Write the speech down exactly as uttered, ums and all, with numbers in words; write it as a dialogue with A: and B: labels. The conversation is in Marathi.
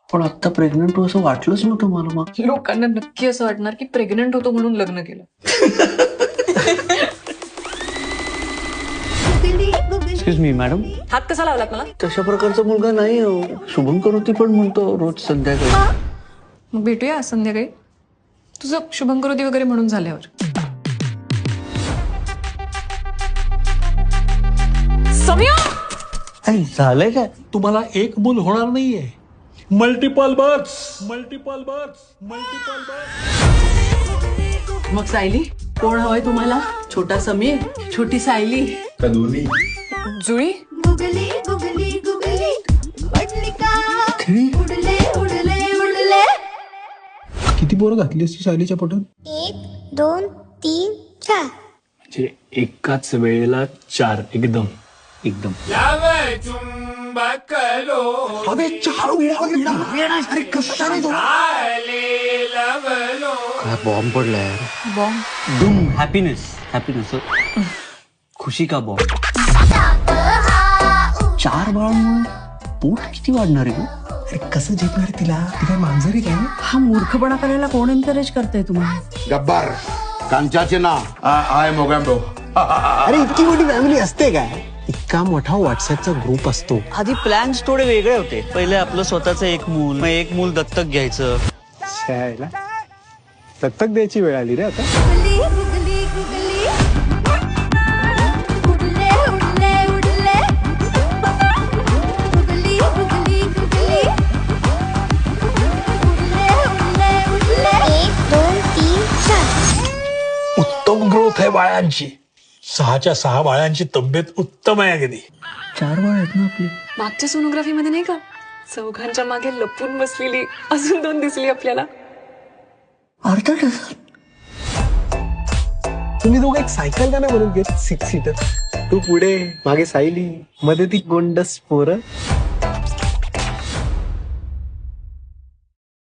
A: पण आता प्रेग्नंट हो असं वाटलंच नव्हतं मला. मग
B: लोकांना नक्की असं वाटणार की प्रेग्नंट होतो म्हणून लग्न केलं.
A: एक्सक्यूज मी मॅडम,
B: हात कसा लावलात मला?
A: तशा प्रकारचा मुलगा नाही हो. शुभम करोती पण म्हणतो रोज संध्याकाळी.
B: मग भेटूया आज संध्याकाळी तुझं शुभंकरोती वगैरे म्हणून झाल्यावर. सौम्या
A: अरे झालंय काय?
C: तुम्हाला एक मूल होणार नाहीये, multiple births, multiple births, multiple births.
D: मग सायली कोण हवंय तुम्हाला? छोटा समीर, छोटी सायली,
B: जुळी
E: गुगली गुगली गुगली पडली का उडले उडले उडले.
C: किती पोरं घातली असती सायलीच्या पोटात?
E: एक दोन तीन चार.
F: म्हणजे एकाच वेळेला चार. एकदम एकदम
A: काय बॉम्ब पडलाय यार.
B: बॉम्ब.
A: डूम. हॅपीनेस. हॅपीनेस. खुशी का बॉम्ब. चार बाळांमुळे पोट किती वाढणार आहे?
C: अरे कसं झेपणार तिला? ती काय मांजर आहे काय?
D: हा मूर्खपणा करायला कोण एनकरेज करतंय तुम्हाला?
G: गब्बर कांचाचे ना आय मोगॅम्बो.
C: अरे इतकी मोठी फॅमिली असते काय? इतका मोठा व्हॉट्सअपचा ग्रुप असतो.
A: आधी प्लॅन्स थोडे वेगळे होते. पहिले आपलं स्वतःचं एक मूल, मग एक मूल दत्तक घ्यायचं.
C: शाळेला दत्तक द्यायची वेळ आली रे आता.
E: गुगली गुगली गुगली उडले उडले उडले. गुगली गुगली गुगली उडले उडले उडले. एक दोन तीन चार.
C: उत्तम ग्रोथ आहे बाळांची. सहाच्या सहा बाळांची तब्येत उत्तम आहे अगदी.
A: चार बाळ आहेत ना आपली.
B: मागच्या सोनोग्राफी मध्ये नाही का चौघांच्या मागे लपून बसलेली अजून दोन दिसली आपल्याला.
A: अर्धा डझन.
C: तुम्ही दोघं एक सायकल का नाही बनवून घेत? Six seater. तू पुढे, मागे सायली, मध्ये ती गोंडस पोरं.